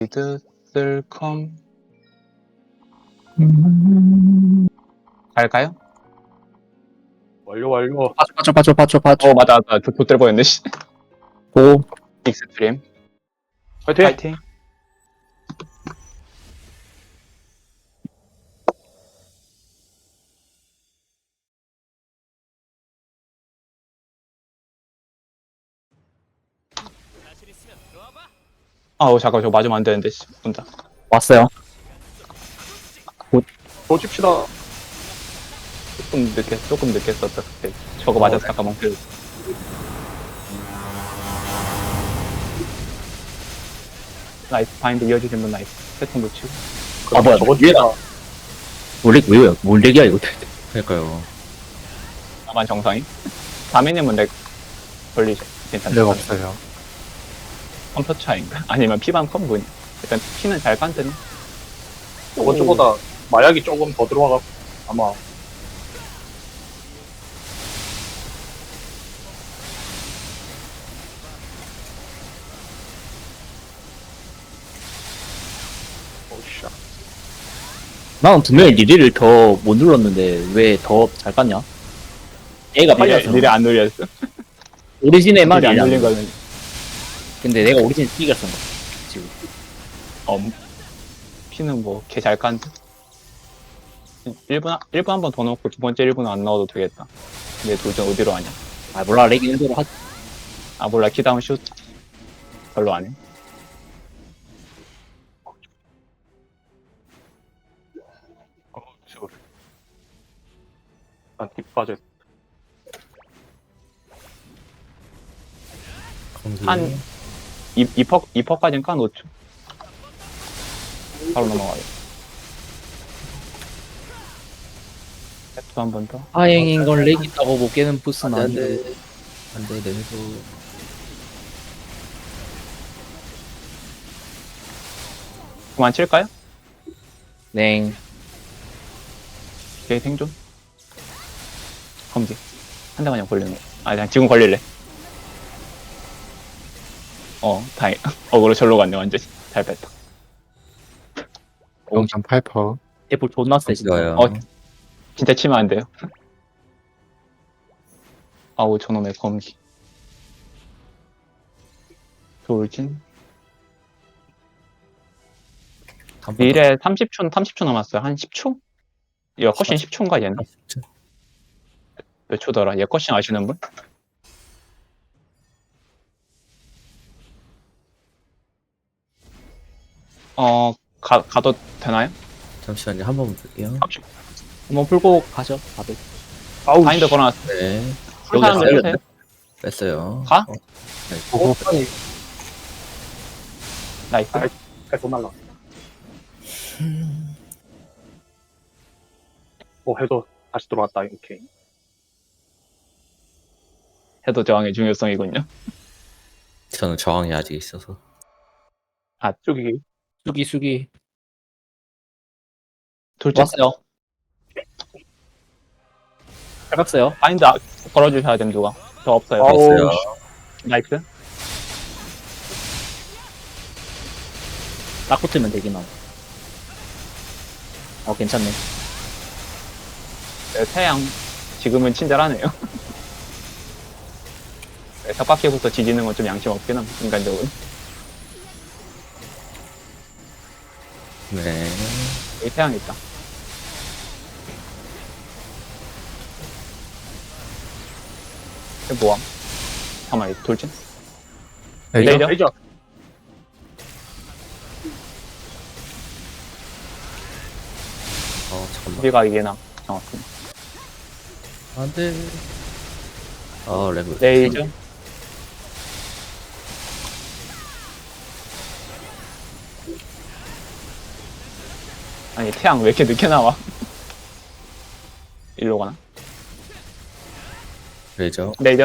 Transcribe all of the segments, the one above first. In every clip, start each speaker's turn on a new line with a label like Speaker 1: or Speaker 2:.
Speaker 1: 쓸컴 갈까요?
Speaker 2: 완료.
Speaker 3: 빠져.
Speaker 1: 맞아 돛될 뻔했네. 씨.
Speaker 3: 고.
Speaker 1: 익스트림
Speaker 2: 화이팅!
Speaker 1: 파이팅. 아우 잠깐 저거 맞으면 안 되는데 씨. 혼자
Speaker 3: 왔어요.
Speaker 2: 더 칩시다.
Speaker 1: 조금 늦게 썼다 그때. 저거 맞아서 잠깐만 그 나이스 바인드 이어주신 분 나이스. 세통 놓치고
Speaker 3: 아, 뭐야.
Speaker 2: 저거
Speaker 3: 얘가.
Speaker 2: 칩시다.
Speaker 3: 왜요? 뭔 얘기야, 이거.
Speaker 4: 그러니까요.
Speaker 1: 나만 정상이. 다미님은 렉 걸리죠. 괜찮죠.
Speaker 5: leg 없어요.
Speaker 1: 컴퓨터 차인가? 아니면 피반 컴분이. 일단 피는 잘 깐드네.
Speaker 2: 저번주보다 마약이 조금 더 들어와가 아마 오우씨.
Speaker 3: 나는 분명히 리리를 더 못 눌렀는데, 왜 더 잘 깠냐? 얘가 빨리 왔어.
Speaker 1: 미래 안 눌렸어.
Speaker 3: 오리진에만
Speaker 1: 미래 안
Speaker 3: 리리
Speaker 1: 눌린
Speaker 3: 안
Speaker 1: 거는
Speaker 3: 근데 내가 오리진 뛰기가 쓴 거야. 지금.
Speaker 1: 피는 뭐 개 잘 깐드. 1분 한 번 더 넣고 두 번째 1분은 안 넣어도 되겠다. 내 도전 어디로 하냐?
Speaker 3: 아, 몰라. 렉 일대로 하지.
Speaker 1: 아 몰라 키다운 슛 별로 안 해.
Speaker 2: 시골. 난딥 빠져.
Speaker 1: 한 2퍼까지는 까놓죠. 바로 넘어가요. 또 한 번 더.
Speaker 3: 하행인 건 렉 있다고 못 깨는 부스는
Speaker 4: 안
Speaker 3: 아닌데.
Speaker 4: 돼. 안 돼, 내내도.
Speaker 1: 그만 칠까요?
Speaker 3: 냉.
Speaker 1: 걔 생존? 검기. 한 대만 그냥 걸리는 거. 아, 그냥 지금 걸릴래. 다행. 어그로 절로 갔네, 완전히. 잘 뺐다.
Speaker 5: 0.8%.
Speaker 3: 애플 존나 세, 진짜.
Speaker 4: 좋아요.
Speaker 1: 진짜 치면 안 돼요. 아우, 저놈의 검기. 돌진. 미래 30초 남았어요. 한 10초? 얘 컷신 10초인가, 얘는? 몇 초더라? 얘 컷신 아시는 분? 가도 되나요?
Speaker 4: 잠시만요. 한 번만 볼게요.
Speaker 3: 한번 풀고 가죠, 다들.
Speaker 2: 아우
Speaker 1: 바인더 걸어놨어.
Speaker 4: 네.
Speaker 1: 풀 사람들
Speaker 3: 여기
Speaker 1: 해주세요.
Speaker 4: 뺐어요.
Speaker 1: 가?
Speaker 5: 보고
Speaker 1: 나이스.
Speaker 2: 계속 날라. 해도 다시 들어왔다. 오케이.
Speaker 1: 해도 저항의 중요성이군요.
Speaker 4: 저는 저항이 아직 있어서.
Speaker 2: 저기
Speaker 3: 수기.
Speaker 1: 돌진.
Speaker 3: 왔어요. 잘 갔어요.
Speaker 1: 바인드 걸어주셔야 됨, 누가. 저 없어요.
Speaker 2: 아우,
Speaker 4: 뺐어요.
Speaker 1: 나이스.
Speaker 3: 딱 붙으면 되긴 함. 괜찮네.
Speaker 1: 네, 태양 지금은 친절하네요. 네, 석바퀴부터 지지는 건 좀 양심 없긴 함, 인간적으로.
Speaker 4: 네.
Speaker 1: 여기 태양 있다. 이거 뭐함? 잠깐만, 이거 돌진?
Speaker 5: 레이저.
Speaker 1: 레이저?
Speaker 2: 레이저.
Speaker 4: 잠깐만.
Speaker 1: 우리가 이게 나. 정확히.
Speaker 4: 안 돼. 레브.
Speaker 1: 레이저? 아니, 태양 왜 이렇게 늦게 나와? 일로 가나?
Speaker 4: 레이저.
Speaker 1: 레이저?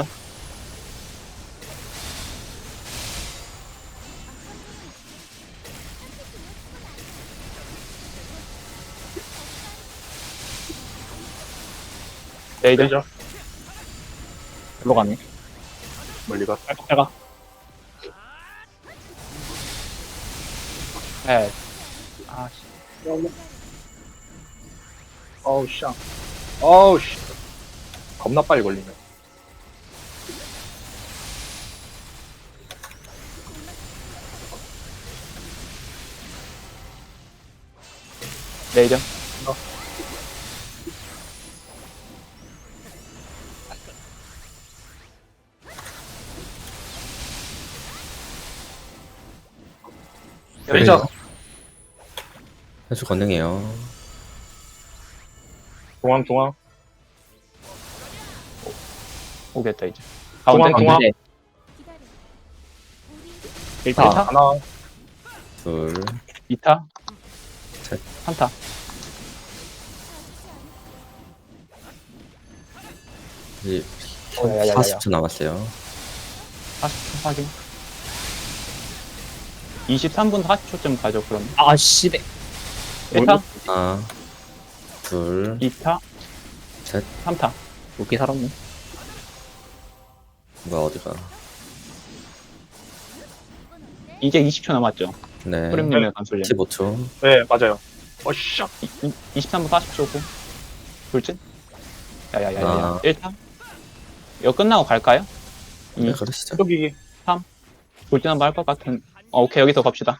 Speaker 1: 레이저?
Speaker 2: 레이저.
Speaker 3: 일로 가네.
Speaker 2: 멀리 가.
Speaker 3: 잘 가.
Speaker 1: 네. 아, 씨.
Speaker 2: 어우, 씨. 어우, 씨. 겁나 빨리 걸리네.
Speaker 1: 레이저.
Speaker 2: 레이저.
Speaker 4: 현수 건능해요.
Speaker 2: 중앙, 중앙.
Speaker 1: 오겠다, 이제. 가운데.
Speaker 2: 중앙, 중앙.
Speaker 3: 네.
Speaker 1: 일타.
Speaker 3: 1타.
Speaker 2: 하나.
Speaker 4: 둘,
Speaker 1: 2타.
Speaker 4: 셋.
Speaker 1: 3타.
Speaker 4: 이제
Speaker 1: 야야야야.
Speaker 4: 40초 남았어요.
Speaker 1: 40초 확인. 23분 40초쯤 가죠, 그럼.
Speaker 3: 아, 씨발.
Speaker 1: 1타,
Speaker 4: 하나, 둘,
Speaker 1: 2타,
Speaker 4: 셋.
Speaker 1: 3타.
Speaker 3: 웃기 살았네.
Speaker 4: 뭐야, 어디가.
Speaker 1: 이제 20초 남았죠.
Speaker 4: 네.
Speaker 1: 프렘님의 간술량.
Speaker 4: 15초.
Speaker 2: 네, 맞아요. 어씨.
Speaker 1: 23분 40초고. 돌진? 야야야야.
Speaker 4: 아.
Speaker 1: 1타? 이거 끝나고 갈까요?
Speaker 4: 네, 그러시죠.
Speaker 2: 여기.
Speaker 1: 돌진 한번 할 것 같은. 오케이, 여기서 갑시다.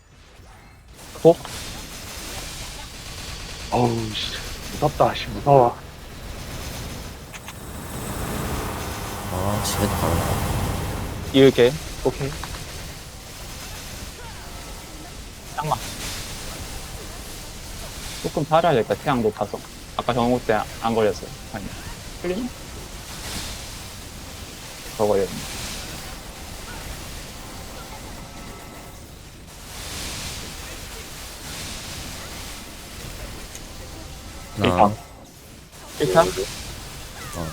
Speaker 2: 어우, 씨. 무섭다, 씨. 무서워.
Speaker 4: 아, 집에도 가는다.
Speaker 1: 이을게. 오케이. 짱마. 조금 살아야 될까, 태양 높아서. 아까 정호 때 안 걸렸어요. 아니, 틀리네? 더 걸렸네.
Speaker 4: 하나,
Speaker 1: 1타?
Speaker 4: 어,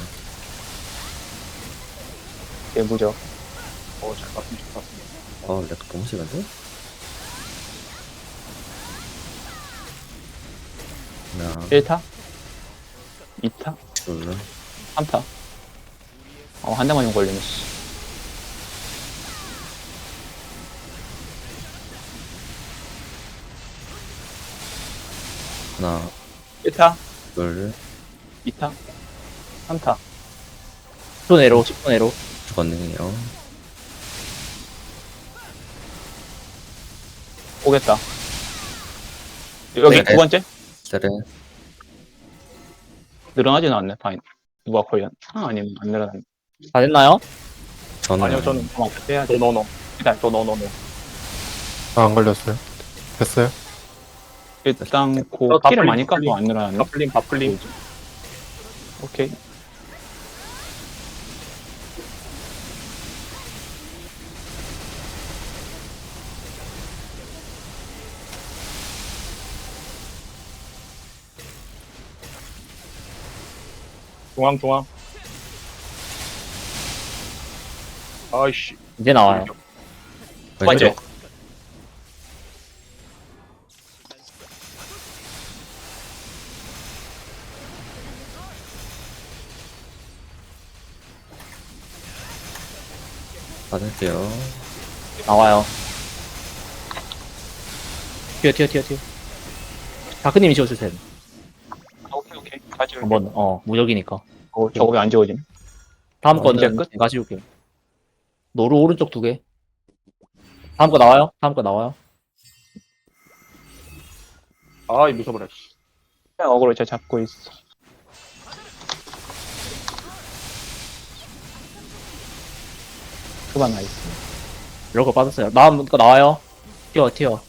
Speaker 1: 개무적.
Speaker 2: 잘 봤으면 좋겠습니다.
Speaker 4: 렉 너무 심한데? 하나,
Speaker 1: 1타? 2타?
Speaker 4: 둘,
Speaker 1: 3타? 한 대만 좀 걸리네, 씨.
Speaker 4: 하나,
Speaker 1: 1타?
Speaker 4: 둘,
Speaker 1: 2타? 3타?
Speaker 3: 10초 내로, 10초 내로.
Speaker 4: 건능해요.
Speaker 1: 오겠다. 여기
Speaker 4: 네.
Speaker 1: 두 번째?
Speaker 4: 세레,
Speaker 1: 늘어나지는 않네, 파인. 누가 걸렸나? 아니면 안 늘어났네.
Speaker 3: 다 됐나요?
Speaker 4: 저는.
Speaker 2: 아니요, 저는.
Speaker 1: 빼야지.
Speaker 2: 노노노.
Speaker 1: 일단,
Speaker 2: 저 노노노.
Speaker 5: 안 걸렸어요. 됐어요?
Speaker 1: 일단,
Speaker 2: 다
Speaker 1: 키를
Speaker 2: 풀림,
Speaker 1: 많이 까서
Speaker 2: 풀림.
Speaker 1: 안 늘어났네.
Speaker 2: 바플림, 바플림.
Speaker 1: 오케이.
Speaker 2: 중앙, 중앙. 아이씨.
Speaker 3: 이제 나와요.
Speaker 4: 왼쪽. 받을게요.
Speaker 3: 나와요. 튀어. 다크님이 지워주세요.
Speaker 1: 오케이. 가지.
Speaker 3: 한번, 무적이니까.
Speaker 1: 저거 왜 안 지워지네?
Speaker 3: 다음
Speaker 1: 이제
Speaker 3: 거는
Speaker 1: 끝?
Speaker 3: 제가 지울게요. 노루 오른쪽 2개. 다음 거 나와요?
Speaker 2: 아이, 무서워라, 씨.
Speaker 1: 그냥 어그로 제가 잡고 있어. 그만 나이스.
Speaker 3: 이런 거 빠졌어요. 다음 거 나와요. 튀어.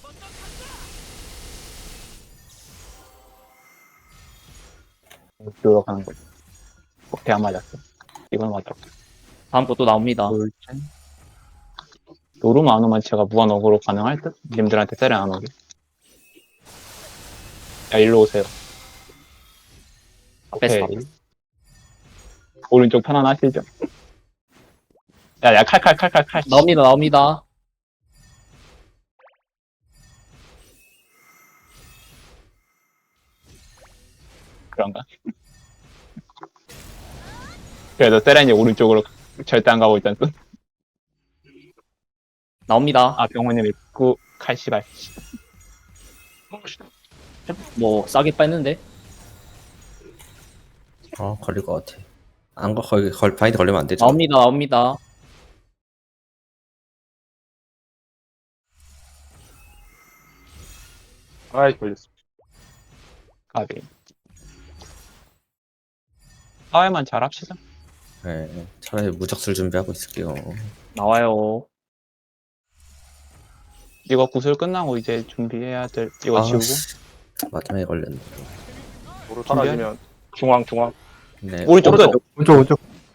Speaker 1: 들어가는 거지. 오케이, 안 맞았어. 이건 맞았고.
Speaker 3: 다음 거 또 나옵니다.
Speaker 1: 돌진. 노르마 안 오면 제가 무한 어그로 가능할 듯? 님들한테 때려 안 오게. 야, 일로 오세요. 오케이.
Speaker 3: 뺐어.
Speaker 1: 오른쪽 편안하시죠? 야, 칼.
Speaker 3: 나옵니다.
Speaker 1: 그런가? 그래도 세렌이 오른쪽으로 절대 안 가고 있던 뜻?
Speaker 3: 나옵니다.
Speaker 1: 병원님 입구 칼 씨발.
Speaker 3: 뭐 싸게 뺐는데.
Speaker 4: 걸릴 것 같아. 바인드 걸리면 안 되죠.
Speaker 3: 나옵니다.
Speaker 2: 아이, 걸렸어.
Speaker 1: 까비. 사회만 잘합시다.
Speaker 4: 네, 차라리 무적술 준비하고 있을게요.
Speaker 3: 나와요.
Speaker 1: 이거 구슬 끝나고 이제 준비해야 될 이거 지우고.
Speaker 4: 씨, 마지막에 걸렸네.
Speaker 2: 도로 사라지면 중앙.
Speaker 4: 네,
Speaker 1: 오른쪽 끝.
Speaker 5: 오른쪽.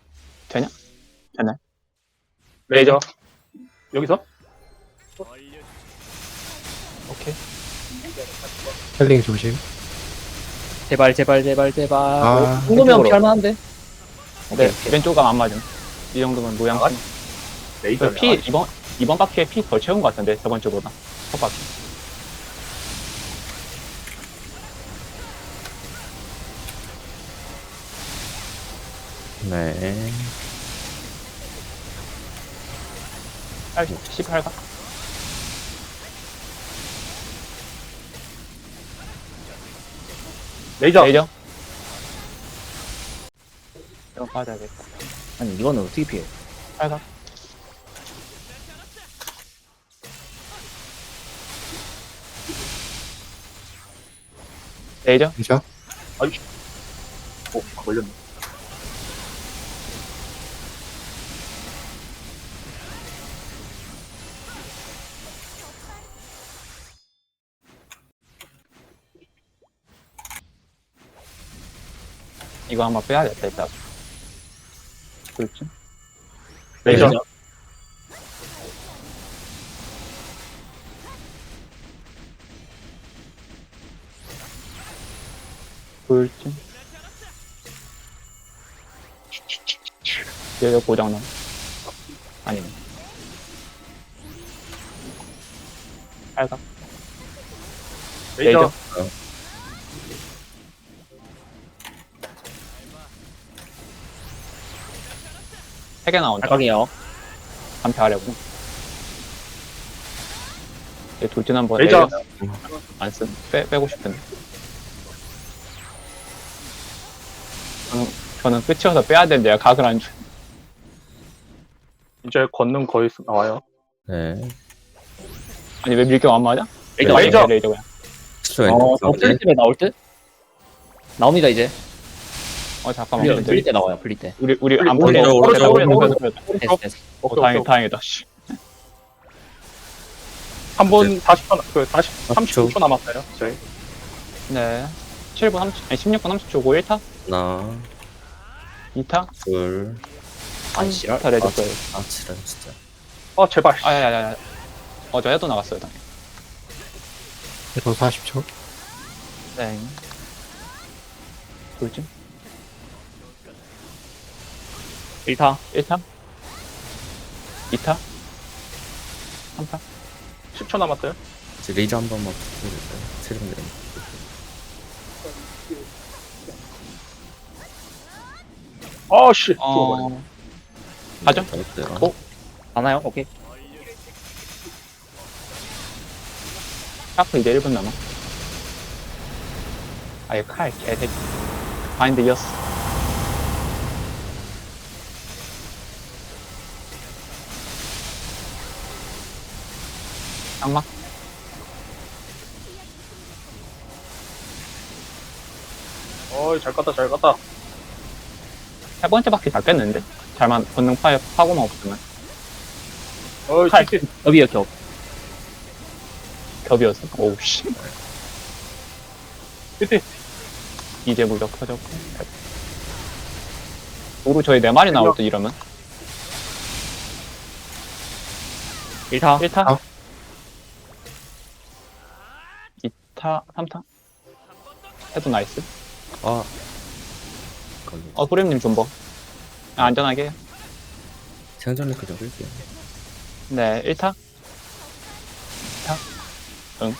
Speaker 2: 레이저. 여기서?
Speaker 1: 오케이.
Speaker 5: 헬링 조심.
Speaker 3: 제발.
Speaker 5: 아,
Speaker 3: 이 정도면 피할만한데?
Speaker 1: 네, 왼쪽 감안 맞음. 이 정도면 모양.
Speaker 2: 아, 레이저.
Speaker 1: 피 이번 바퀴에 피 더 채운 것 같은데 저번 주보다. 첫 바퀴.
Speaker 4: 네.
Speaker 1: 18가.
Speaker 2: 레이저.
Speaker 1: 레이저. 이거 빠져야겠다.
Speaker 3: 아니 이거는 어떻게 피해?
Speaker 1: 8가. 레이저.
Speaker 5: 레이저.
Speaker 2: 오, 걸렸네.
Speaker 1: 이거 한번 빼야겠다 일단. 그렇지.
Speaker 2: 레이저.
Speaker 1: 그렇지. 여기 고장나. 아니네. 8가.
Speaker 2: 레이저.
Speaker 1: 레이저. 세 개 나온다.
Speaker 3: 발각이요.
Speaker 1: 반패하려고. 얘 돌진 한번
Speaker 2: 레이저.
Speaker 1: 안 쓴. 빼고 싶은데. 저는 끝이어서 빼야 되는데 각을 안 줘.
Speaker 2: 이제 권능 거의 나와요.
Speaker 4: 네.
Speaker 1: 아니 왜 밀격 안 맞아?
Speaker 2: 레이저.
Speaker 1: 레이저 그냥.
Speaker 4: 10초
Speaker 3: 풀릴 때 나올 듯? 나옵니다 이제.
Speaker 1: 잠깐만.
Speaker 3: 풀릴 때 나와요. 풀릴 때.
Speaker 1: 우리 안
Speaker 2: 오른쪽,
Speaker 1: 풀려.
Speaker 2: 오른쪽, 오른쪽.
Speaker 3: 됐어.
Speaker 1: 다행이다. 씨.
Speaker 2: 한 분 40초,
Speaker 4: 30초.
Speaker 2: 39초 남았어요. 저희.
Speaker 1: 네. 7분 30, 아니 16분 30초고 1타,
Speaker 4: 하나,
Speaker 1: 2타,
Speaker 4: 둘,
Speaker 3: 아 씨랄.
Speaker 1: 3타 레드거예요.
Speaker 4: 지랄 진짜.
Speaker 2: 제발.
Speaker 1: 아야야야. 저 해도 나갔어요. 당연히.
Speaker 5: 또 40초.
Speaker 1: 네. 돌진.
Speaker 3: 1타.
Speaker 1: 1타, 2타, 3타.
Speaker 2: 10초 남았어요.
Speaker 4: 이제 레이저 한 번만 부탁드릴까요? 세련돼.
Speaker 2: 씨.
Speaker 1: 가죠?
Speaker 4: 잘했어요.
Speaker 1: 어?
Speaker 3: 가나요? 오케이.
Speaker 1: 샤프 이제 1분 남아. 아예 칼 개새끼. 바인드 이었어. 장막.
Speaker 2: 잘 갔다.
Speaker 1: 세 번째 바퀴 잘 깼는데? 잘만 본능 파고만 없으면.
Speaker 2: 칼.
Speaker 3: 겹이요 겹.
Speaker 1: 겹이었어. 오우 씨.
Speaker 2: 끝에.
Speaker 1: 이제 무적 터졌고. 도로 저희 4마리 나올 때 이러면.
Speaker 3: 1타.
Speaker 1: 1타,
Speaker 5: 아.
Speaker 1: 2타, 3타. 해도 나이스.
Speaker 4: 걸려.
Speaker 1: 프렘님 존버. 안전하게 해요.
Speaker 4: 생존 리크 좀 끌게요.
Speaker 1: 네, 1타. 2타. 응.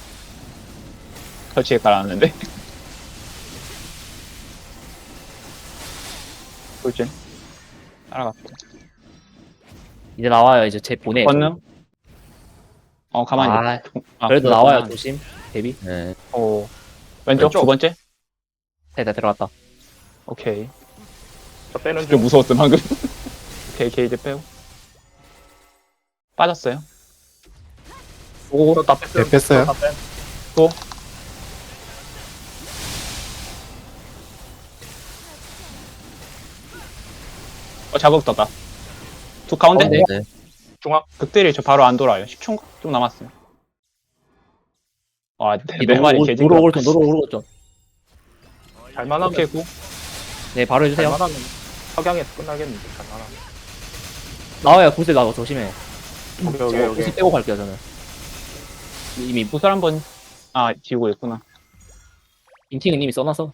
Speaker 1: 설치에 깔아놨는데. 돌진. 따라갑시다.
Speaker 3: 이제 나와요. 이제 제 보내.
Speaker 1: 권능. 가만히.
Speaker 3: 아, 그래도 나와요.
Speaker 1: 그렇구나.
Speaker 3: 조심. 데뷔.
Speaker 4: 네.
Speaker 1: 오. 왼쪽,
Speaker 2: 왼쪽.
Speaker 1: 두 번째?
Speaker 3: 네, 들어갔다.
Speaker 1: 오케이.
Speaker 2: 저 빼는
Speaker 1: 좀
Speaker 2: 중.
Speaker 1: 무서웠어, 방금. 오케이, 게이지 빼고. 빠졌어요.
Speaker 2: 오, 다 뺐어요.
Speaker 5: 네, 뺐어요.
Speaker 2: 다 뺀.
Speaker 1: 자극 떴다. 두 가운데?
Speaker 3: 가운데.
Speaker 4: 네.
Speaker 2: 중앙.
Speaker 1: 극딜이 저 바로 안 돌아요. 10초인가? 좀 남았어요. 아,
Speaker 3: 이
Speaker 1: 네 마리 개지.
Speaker 3: 노로 오글 좀.
Speaker 2: 잘만하면.
Speaker 1: 오케이, 구.
Speaker 3: 네, 바로 해주세요.
Speaker 2: 잘만하면. 석양에서 끝나겠는데, 잘만하면.
Speaker 3: 나와요, 구슬 나와, 조심해.
Speaker 2: 오케이.
Speaker 3: 구슬 빼고 갈게요, 저는. 이미
Speaker 1: 구슬 한 번, 지우고 있구나.
Speaker 3: 인팅은 이미 써놔서.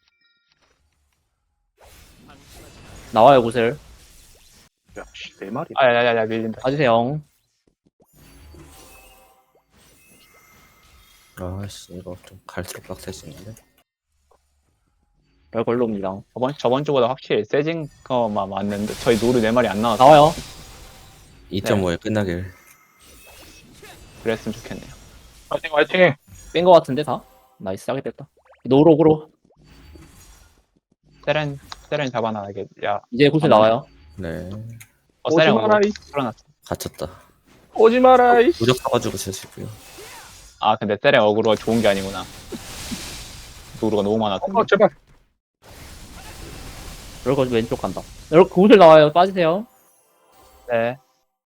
Speaker 3: 나와요, 구슬.
Speaker 2: 야, 씨, 네 마리.
Speaker 1: 야, 밀린다.
Speaker 3: 봐주세요.
Speaker 4: 아씨 이거 좀 갈수록 빡세지는데.
Speaker 3: 별 걸로 옵니다.
Speaker 1: 저번 주보다 확실히 세진 거만 맞는데, 저희 노루 4마리 안 나왔어.
Speaker 3: 나와요.
Speaker 4: 2.5에 끝나길.
Speaker 1: 그랬으면 좋겠네요.
Speaker 2: 화이팅!
Speaker 3: 뺀 거 같은데, 다? 나이스, 하게 됐다. 노록으로.
Speaker 1: 세렌 잡아놔야겠. 야,
Speaker 3: 이제 구슬 나와요.
Speaker 4: 네.
Speaker 2: 오지
Speaker 1: 세렌
Speaker 2: 마라, 이.
Speaker 1: 풀어놨어.
Speaker 4: 갇혔다.
Speaker 2: 오지 마라, 이.
Speaker 4: 무적 써가지고 쓰시고요.
Speaker 1: 근데 세렌 어그로가 좋은 게 아니구나. 노루가 너무 많았어.
Speaker 2: 제발.
Speaker 3: 이렇게 왼쪽 간다. 이렇게 구슬 나와요. 빠지세요.
Speaker 1: 네.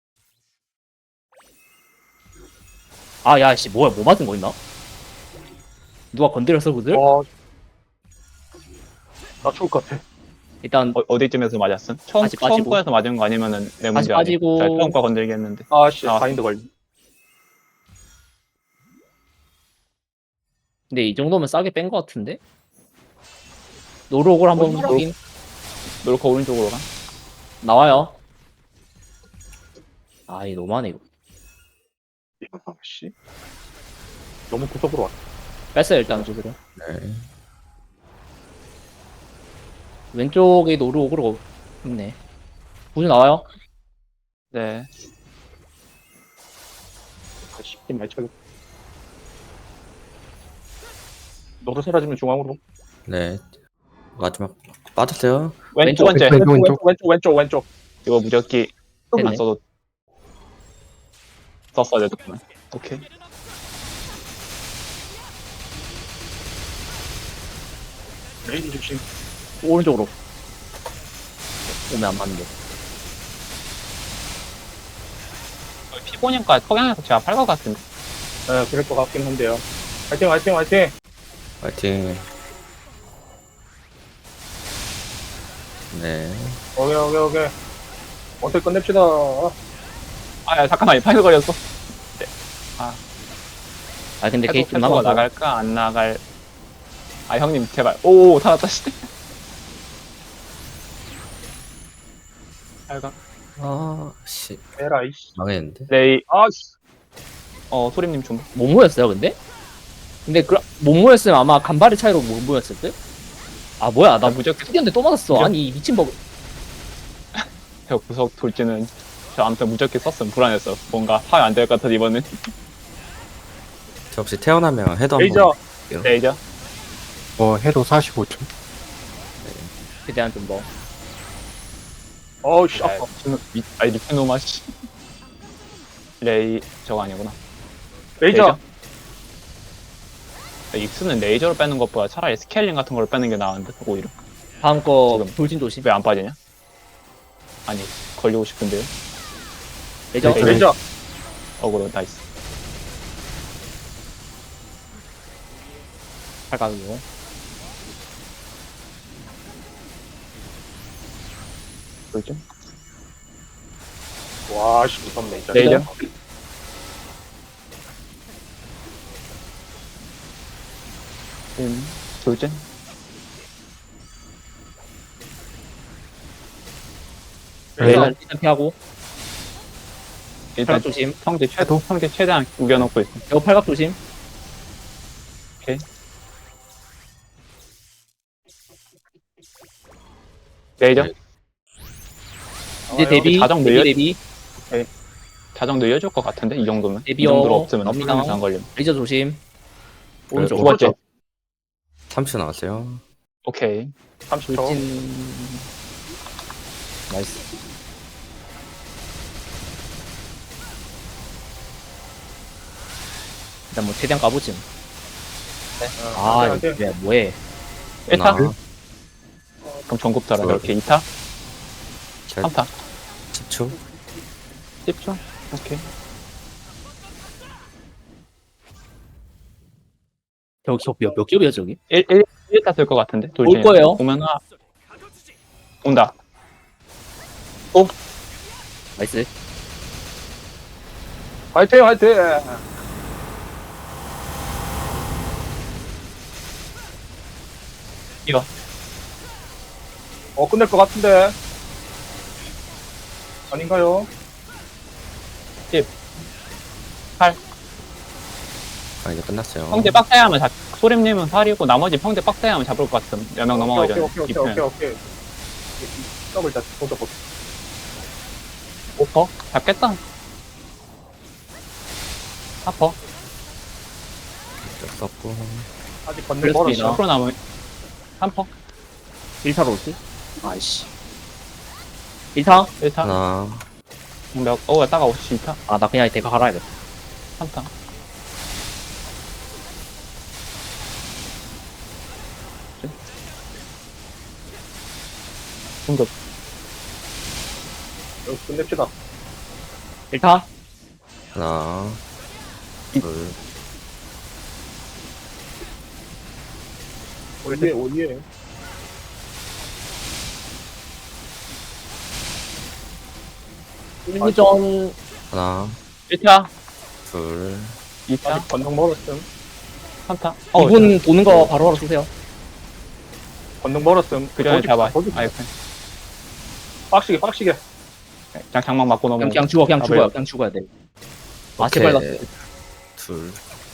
Speaker 3: 야, 씨, 뭐야, 뭐 맞은 거 있나? 누가 건드렸어, 구슬?
Speaker 2: 나 죽을 것 같아.
Speaker 3: 일단,
Speaker 1: 어디쯤에서 맞았음? 처음
Speaker 3: 다시 빠지고.
Speaker 1: 거에서 맞은 거 아니면은 내 문제 아니야.
Speaker 3: 빠지고.
Speaker 1: 제가 처음 거 건들겠는데.
Speaker 2: 아씨,
Speaker 1: 아.
Speaker 2: 바인드 걸리.
Speaker 3: 근데 이 정도면 싸게 뺀 거 같은데? 노록을 한번
Speaker 2: 얼마나-
Speaker 3: 확인.
Speaker 1: 노루코 오른쪽으로 가.
Speaker 3: 나와요. 이 너무하네, 이거.
Speaker 2: 씨. 너무 구석으로 왔다.
Speaker 3: 뺐어요, 일단, 구슬은.
Speaker 4: 네.
Speaker 3: 왼쪽에 노록으로 있네. 구슬 나와요.
Speaker 1: 네.
Speaker 2: 쉽게 많이 쳐요. 너도 사라지면 중앙으로.
Speaker 4: 네. 마지막 빠졌어요.
Speaker 1: 두
Speaker 3: 왼쪽,
Speaker 1: 번째.
Speaker 2: 왼쪽.
Speaker 1: 이거 무적기 안
Speaker 3: 됐네.
Speaker 1: 써도 썼어야 됐구나. 오케이.
Speaker 2: 레이디 조심.
Speaker 3: 오른쪽으로. 오면 안 맞는데.
Speaker 1: 피보니까 석양에서 제가 팔 것 같은데.
Speaker 2: 네, 그럴 것 같긴 한데요. 화이팅!
Speaker 4: 파이팅. 네.
Speaker 2: 오케이. 어떻게 끝냅시다.
Speaker 1: 야, 잠깐만, 파일 걸렸어.
Speaker 3: 근데 게이트 좀
Speaker 1: 패도가
Speaker 3: 남아서.
Speaker 1: 나갈까? 안 나갈. 형님, 제발. 오, 살았다, 씨. 빨강.
Speaker 4: 씨.
Speaker 2: 에라, 이씨.
Speaker 4: 망했는데.
Speaker 1: 레이,
Speaker 2: 씨.
Speaker 1: 소림님 좀.
Speaker 3: 못 모였어요, 근데? 근데 못 모였으면 아마 간발의 차이로 못 모였을 듯? 뭐야, 나
Speaker 1: 무적기
Speaker 3: 특이한데 또 맞았어.
Speaker 1: 무적-
Speaker 3: 아니, 이 미친 법.
Speaker 1: 구석 돌지는. 저 아무튼 무적기 썼으면 불안했어. 뭔가 파악 안 될 것 같아, 이번엔.
Speaker 4: 저 혹시 태어나면 해도
Speaker 2: 레이저.
Speaker 4: 한번.
Speaker 1: 레이저.
Speaker 5: 해도 45초.
Speaker 3: 최대한 좀 뭐.
Speaker 2: 씨. 아파.
Speaker 1: 리프노마, 씨. 레이, 저거 아니구나.
Speaker 2: 레이저.
Speaker 1: 익스는 레이저로 빼는 것보다 차라리 스케일링 같은 걸 빼는 게 나은데, 오히려.
Speaker 3: 다음 거
Speaker 1: 지금.
Speaker 3: 돌진 조심.
Speaker 1: 왜 안 빠지냐? 아니, 걸리고 싶은데요.
Speaker 3: 레이저.
Speaker 1: 레이저.
Speaker 2: 레이저.
Speaker 1: 어그로, 나이스.
Speaker 3: 팔각이고.
Speaker 1: 돌죠?
Speaker 2: 와, 씨, 무섭네, 진짜.
Speaker 1: 레이저. 돌진.
Speaker 3: 일단 피하고.
Speaker 1: 일단
Speaker 3: 팔각 조심.
Speaker 1: 성지 최대한 우겨놓고 있어.
Speaker 3: 이거 팔각 조심.
Speaker 1: 레이저.
Speaker 4: 네.
Speaker 3: 이제 데뷔.
Speaker 1: 자정 늘려-
Speaker 3: 데뷔.
Speaker 1: 자정 늘려줄 것 같은데, 이 정도면. 이
Speaker 3: 데뷔요.
Speaker 1: 정도로 없으면
Speaker 3: 갑니다.
Speaker 1: 풀리면서 안 걸리면.
Speaker 3: 레이저 조심. 오른쪽.
Speaker 1: 두 번째.
Speaker 4: 30초 나왔어요.
Speaker 1: 오케이.
Speaker 2: 30초.
Speaker 3: 돌진. 나이스. 일단 뭐 최대한 까보지. 아,
Speaker 2: 안 돼, 안 돼.
Speaker 3: 이거 뭐해?
Speaker 1: 1타?
Speaker 4: 하나,
Speaker 1: 그럼 전국 타라.
Speaker 4: 둘.
Speaker 1: 이렇게 2타?
Speaker 4: 셋,
Speaker 1: 3타?
Speaker 4: 10초.
Speaker 1: 10초? 오케이.
Speaker 3: 저기 몇 겹이야 저기?
Speaker 1: 1타 될 것 같은데? 돌진.
Speaker 3: 거예요?
Speaker 1: 보면 온다.
Speaker 3: 나이스.
Speaker 2: 화이팅, 화이팅!
Speaker 1: 이거.
Speaker 2: 끝낼 것 같은데. 아닌가요?
Speaker 4: 아, 이제 끝났어요.
Speaker 1: 평대 빡대야 하면 소림님은 8이고 나머지 평대 빡대야 하면 잡을 것 같음. 몇 명 넘어가기 전에.
Speaker 2: 오케이. 더블 다 도적 볼.
Speaker 1: 5퍼? 잡겠다. 4퍼?
Speaker 4: 어쩔 수 없고.
Speaker 2: 아직 건너
Speaker 3: 그렇습니다.
Speaker 2: 멀었어.
Speaker 1: 10% 남은 3퍼?
Speaker 3: 1타로 올지? 아이씨. 1타?
Speaker 1: 1타?
Speaker 4: 하나,
Speaker 1: 따가워. 2타?
Speaker 3: 아, 나 그냥 대가 갈아야겠다.
Speaker 1: 3타? 공급.
Speaker 2: 끝냅시다.
Speaker 3: 1타?
Speaker 4: 하나, 둘,
Speaker 2: 오예.
Speaker 3: 일부전
Speaker 4: 하나,
Speaker 1: 1타?
Speaker 4: 둘,
Speaker 1: 2타?
Speaker 2: 아직 건너 멀었음.
Speaker 1: 3타?
Speaker 3: 이분 도는 거 바로 쓰세요.
Speaker 2: 건너 멀었음.
Speaker 1: 그 전에 잡아.
Speaker 2: 거기
Speaker 1: 아이,
Speaker 2: 빡시게.
Speaker 1: 그냥 장막 맞고 넘어.
Speaker 3: 그냥 죽어, 그냥
Speaker 1: 아,
Speaker 3: 죽어요.
Speaker 1: 왜요?
Speaker 3: 그냥 죽어야 돼. 아,
Speaker 4: 오케이.
Speaker 3: 제발 나.
Speaker 4: 둘.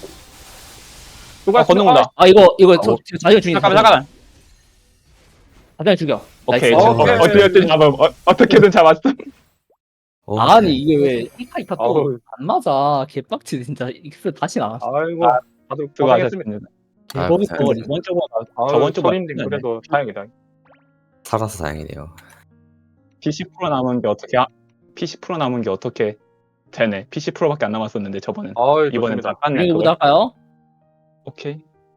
Speaker 2: 누가
Speaker 1: 건너온다.
Speaker 3: 아, 이거
Speaker 4: 어.
Speaker 3: 지금 자기가 죽인
Speaker 1: 잠깐만.
Speaker 3: 자기가 죽여.
Speaker 1: 오케이.
Speaker 3: 나이스.
Speaker 2: 오케이.
Speaker 1: 어떻게든 잡음. 어떻게든 잡았음.
Speaker 3: 아니, 이게 왜 1타 또
Speaker 2: 어우.
Speaker 3: 안 맞아. 개빡치, 진짜. 익스 다시 나왔어.
Speaker 2: 아이고, 다들 고생했습니다.
Speaker 1: 수고하셨습니다.
Speaker 3: 거기
Speaker 4: 아,
Speaker 3: 또
Speaker 1: 이번 주보다
Speaker 2: 아유,
Speaker 1: 저번 주보다
Speaker 2: 소림님 그래도 다행이다.
Speaker 4: 살아서 다행이네요.
Speaker 1: P10% 남은 게 어떻게 P10% 남은 게 어떻게 되네. P10%밖에 안 남았었는데 저번엔.
Speaker 2: 아유,
Speaker 1: 이번엔
Speaker 2: 좋습니다.
Speaker 1: 다 깠네.
Speaker 3: 이거
Speaker 1: 그걸.
Speaker 3: 할까요?
Speaker 1: 오케이.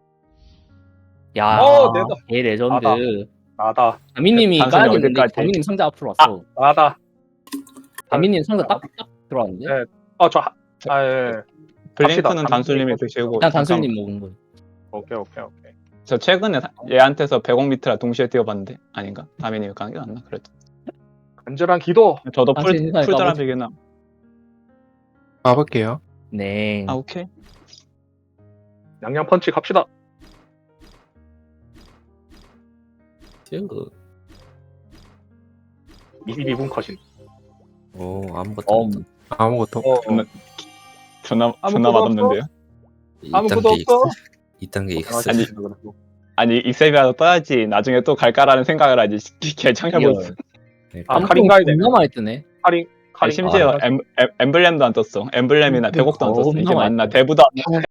Speaker 3: 야,
Speaker 2: 내가.
Speaker 3: 개 레전드.
Speaker 2: 나다.
Speaker 3: 다미님이
Speaker 1: 단순히
Speaker 3: 까야 되는데
Speaker 1: 어디까지?
Speaker 3: 다미님 상자 앞으로 왔어.
Speaker 2: 나다.
Speaker 3: 다미님 상자 딱 들어왔는데?
Speaker 2: 네. 예.
Speaker 1: 블링크는
Speaker 2: 갑시다.
Speaker 1: 단술님이 드시고.
Speaker 3: 그냥 단술님 먹은 거.
Speaker 2: 오케이.
Speaker 1: 저 최근에 얘한테서 100억 미트라 동시에 뛰어봤는데 아닌가? 다미님이 가는 게 낫나? 그래도.
Speaker 2: 간절한 기도.
Speaker 1: 저도
Speaker 3: 단술 인사에
Speaker 1: 풀드랍이긴
Speaker 5: 가볼게요.
Speaker 3: 네.
Speaker 1: 아 오케이.
Speaker 2: 양양 펀치 갑시다.
Speaker 4: 쭉.
Speaker 2: 22분 컷인.
Speaker 4: 오, 아무것도
Speaker 3: 어,
Speaker 4: 없다.
Speaker 5: 아무것도.
Speaker 1: 존나
Speaker 2: 아무것도
Speaker 1: 맛없는데요?
Speaker 2: 아무것도
Speaker 4: 2단계
Speaker 2: 없어?
Speaker 4: 익스. 2단계 익스.
Speaker 1: 아니, 아니 익셀비아도 떠야지 나중에 또 갈까라는 생각을 하지. 개청해보고 있어.
Speaker 2: 아, 카린 가야 돼.
Speaker 3: 겁나 많이 뜨네.
Speaker 2: 카린.
Speaker 1: 심지어 엠블렘도 안 떴어. 엠블렘이나 100억도 안 떴어. 이게
Speaker 3: 너무
Speaker 1: 맞나? 대부도 안